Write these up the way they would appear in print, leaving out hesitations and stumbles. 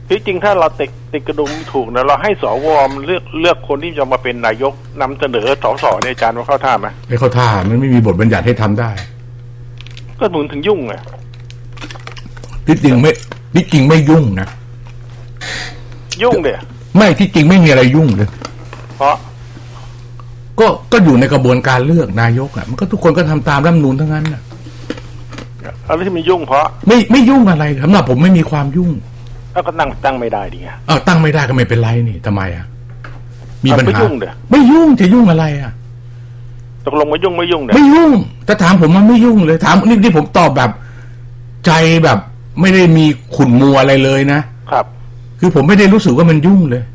ที่จริงถ้าเราติดกระดุมถูกนะเราให้สวมันเลือกคนที่จะมาเป็นนายกนำเสนอสสเนี่ยอาจารย์ว่าเข้าท่าไหมไม่เข้าท่ามันไม่มีบทบัญญัติให้ทำได้ก็ถึงยุ่งไงที่จริงไม่ยุ่งนะยุ่งเดี๋ยไม่ที่จริงไม่มีอะไรยุ่งเลยเพราะก็อยู่ในกระบวนการเลือกนายกอ่ะมันก็ทุกคนก็ทำตามรัฐธรรมนูญทั้งนั้นน่ะอะไรที่มันยุ่งเพราะไม่ยุ่งอะไรสำหรับผมไม่มีความยุ่งแล้วก็ตั้งไม่ได้ดิไงตั้งไม่ได้ก็ไม่เป็นไรนี่ทำไมอ่ะมีปัญหาไม่ยุ่งเด้อไม่ยุ่งจะยุ่งอะไรอ่ะตกลงไม่ยุ่งเด้อไม่ยุ่งแต่ถามผมมันไม่ยุ่งเลยถามนี่ผมตอบแบบใจแบบไม่ได้มีขุ่นมัวอะไรเลยนะครับคือผมไม่ได้รู้สึกว่ามันยุ่งเลย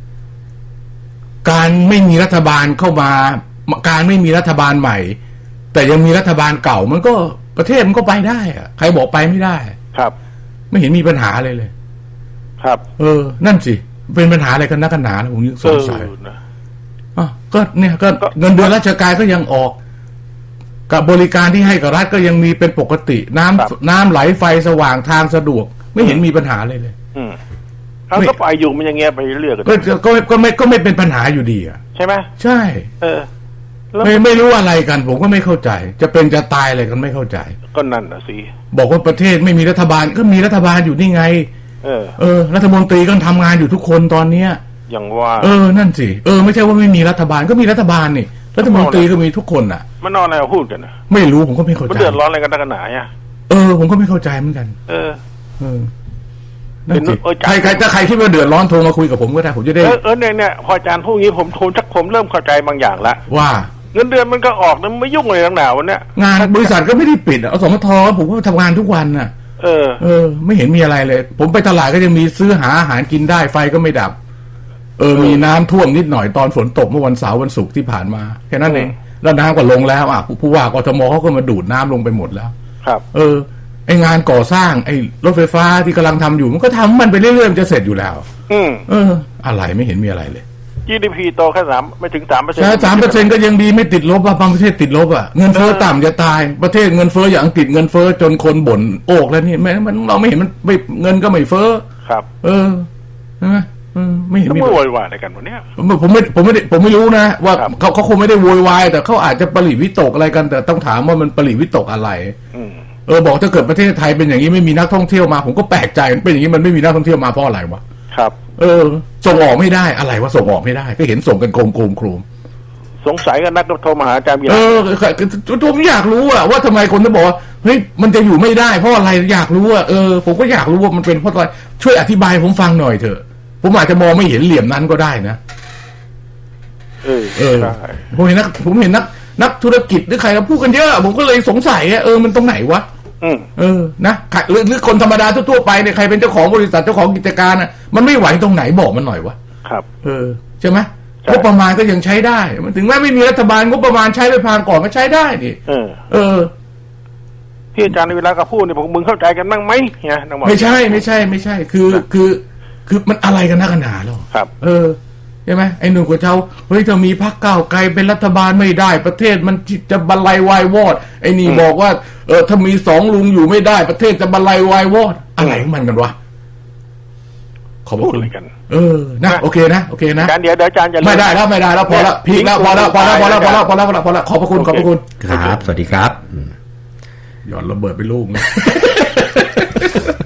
การไม่มีรัฐบาลเข้ามาการไม่มีรัฐบาลใหม่แต่ยังมีรัฐบาลเก่ามันก็ประเทศมันก็ไปได้อะใครบอกไปไม่ได้ครับไม่เห็นมีปัญหาอะไรเลยครับนั่นสิเป็นปัญหาอะไรกันนักกันหนาผมยังสงสัยก็เนี่ยก็เงินเดือนราชการก็ยังออกกับบริการที่ให้กับรัฐก็ยังมีเป็นปกติน้ำไหลไฟสว่างทางสะดวกไม่เห็นมีปัญหาเลยเขาก็ไปอยู่มันอย่างเงี้ยไปเรื่อยก็ไม่เป็นปัญหาอยู่ดีอ่ะใช่ไหมใช่ไม่รู้อะไรกันผมก็ไม่เข้าใจจะเป็นจะตายอะไรกันไม่เข้าใจก็นั่นน่ะสิบอกว่าประเทศไม่มีรัฐบาลก็มีรัฐบาลอยู่นี่ไงรัฐมนตรีก็ทำงานอยู่ทุกคนตอนเนี้ยอย่างว่านั่นสิไม่ใช่ว่าไม่มีรัฐบาลก็มีรัฐบาลนี่รัฐมนตรีก็มีทุกคนอ่ะมันนอนอะไรพูดกันนะไม่รู้ผมก็ไม่เข้าใจมันเดือดร้อนอะไรกันนักหนาเนี่ยผมก็ไม่เข้าใจเหมือนกันนั่นสิใครคิดว่าเดือดร้อนโทรมาคุยกับผมก็ได้ผมจะได้เนี่ยพออาจารย์พูดงี้ผมเริ่มเข้าใจบางอย่างละว่าเงินเดือนมันก็ออกนะไม่ยุ่งอะไรทั้งหนาวันเนี้ยงานบริษัทก็ไม่ได้ปิดสมทผมก็ทำงานทุกวันน่ะไม่เห็นมีอะไรเลยผมไปตลาดก็ยังมีซื้อหาอาหารกินได้ไฟก็ไม่ดับมีน้ำท่วมนิดหน่อยตอนฝนตกเมื่อวันเสาร์วันศุกร์ที่ผ่านมาแค่นั้นเองแล้วน้ำก็ลงแล้วผู้ว่ากทมเขาก็มาดูดน้ำลงไปหมดแล้วครับไองานก่อสร้างไอ้รถไฟฟ้าที่กำลังทำอยู่มันก็ทำมันไปเรื่อยๆมันจะเสร็จอยู่แล้วอะไรไม่เห็นมีอะไรเลย GDP โตแค่ไม่ถึง 3% ใช่ 3% ก็ยังดีไม่ติดลบางประเทศติดลบเงินเฟ้อต่ำจะตายประเทศเงินเฟ้ออย่างอังกฤษเงินเฟ้อจนคนบ่นโอกแล้วนี่มันเราไม่เห็นมันไม่เงินก็ไม่เฟ้อครับใช่ไหมไม่เห็นมีโวยวายอะไรกันวันนี้ผมไม่รู้นะว่าเขาคงไม่ได้โวยวายแต่เขาอาจจะปริวิตกอะไรกันแต่ต้องถามว่ามันปริวิตกอะไรบอกถ้าเกิดประเทศไทยเป็นอย่างนี้ไม่มีนักท่องเที่ยวมาผมก็แปลกใจเป็นอย่างนี้มันไม่มีนักท่องเที่ยวมาเพราะอะไรวะครับส่งออกไม่ได้อะไรวะส่งออกไม่ได้ก็เห็นส่งกันโครมสงสัยกันนักโทรมาหาอาจารย์ผมอยากรู้ว่าทำไมคนถึงบอกว่าเฮ้ยมันจะอยู่ไม่ได้เพราะอะไรอยากรู้ผมก็อยากรู้ว่ามันเป็นเพราะอะไรช่วยอธิบายผมฟังหน่อยเถอะผมอาจจะมองไม่เห็นเหลี่ยมนั้นก็ได้นะผมเห็นนักธุรกิจหรือใครเขาพูดกันเยอะผมก็เลยสงสัยมันตรงไหนวะนะหรือคนธรรมดาทั่วไปเนี่ยใครเป็นเจ้าของบริษัทเจ้าของกิจการมันไม่ไหวตรงไหนบอกมันหน่อยวะครับใช่ไหมงบประมาณก็ยังใช้ได้มันถึงแม้ไม่มีรัฐบาลงบประมาณใช้ไปผ่านก่อนก็ใช้ได้ดิที่อาจารย์ในเวลาก็พูดเนี่ยผมมึงเข้าใจกันบ้างไหมเนี่ยไม่ใช่คือมันอะไรกันนักหนาหรอครับใช่ไหมไอ้หนุ่มกับเจ้าเฮ้ยถ้ามีพรรคก้าวไกลเป็นรัฐบาลไม่ได้ประเทศมันจะบรรลัยวายวอดไอ้นี่บอกว่าถ้ามี2ลุงอยู่ไม่ได้ประเทศจะบรรลัยวายวอดอะไรของมันกันวะขอบคุณกันนะโอเคนะอาจารย์เดี๋ยวอาจารย์จะไม่ได้แล้วพอละพีคแล้วพอละขอบพระคุณครับสวัสดีครับหย่อนระเบิดไปลูกนะ